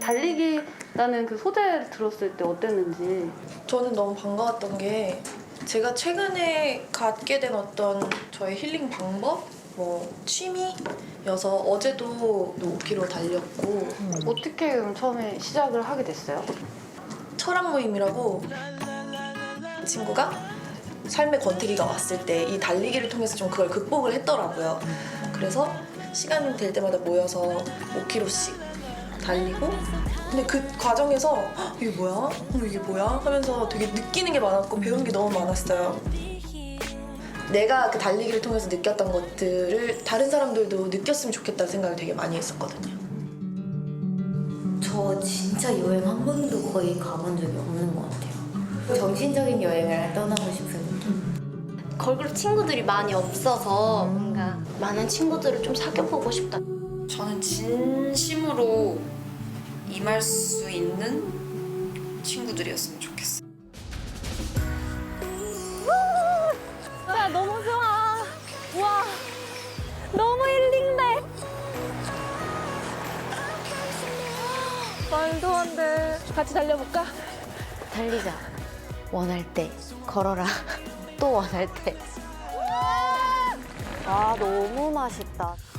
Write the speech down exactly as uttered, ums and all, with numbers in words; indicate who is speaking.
Speaker 1: 달리기라는 그 소재를 들었을 때 어땠는지.
Speaker 2: 저는 너무 반가웠던 게 제가 최근에 갖게 된 어떤 저의 힐링 방법? 뭐 취미여서 어제도 오 킬로미터 달렸고.
Speaker 1: 어떻게 그럼 처음에 시작을 하게 됐어요?
Speaker 2: 철학 모임이라고 친구가 삶의 권태기가 왔을 때 이 달리기를 통해서 좀 그걸 극복을 했더라고요. 그래서 시간이 될 때마다 모여서 오 킬로미터씩 달리고, 근데 그 과정에서 헉, 이게 뭐야? 어, 이게 뭐야? 하면서 되게 느끼는 게 많았고 배우는 게 너무 많았어요. 내가 그 달리기를 통해서 느꼈던 것들을 다른 사람들도 느꼈으면 좋겠다는 생각을 되게 많이 했었거든요.
Speaker 3: 저 진짜 여행 한 번도 거의 가본 적이 없는 것 같아요. 정신적인 여행을 떠나고 싶은 느낌.
Speaker 4: 걸그룹 친구들이 많이 없어서 뭔가 많은 친구들을 좀 사귀어보고 싶다.
Speaker 5: 저는 진심으로 임할 수 있는 친구들이었으면 좋겠어요.
Speaker 6: 야, 너무 좋아. 와, 너무 힐링돼. 말도 안 돼. 같이 달려볼까?
Speaker 3: 달리자. 원할 때 걸어라. 또 원할 때.
Speaker 6: 아, 너무 맛있다.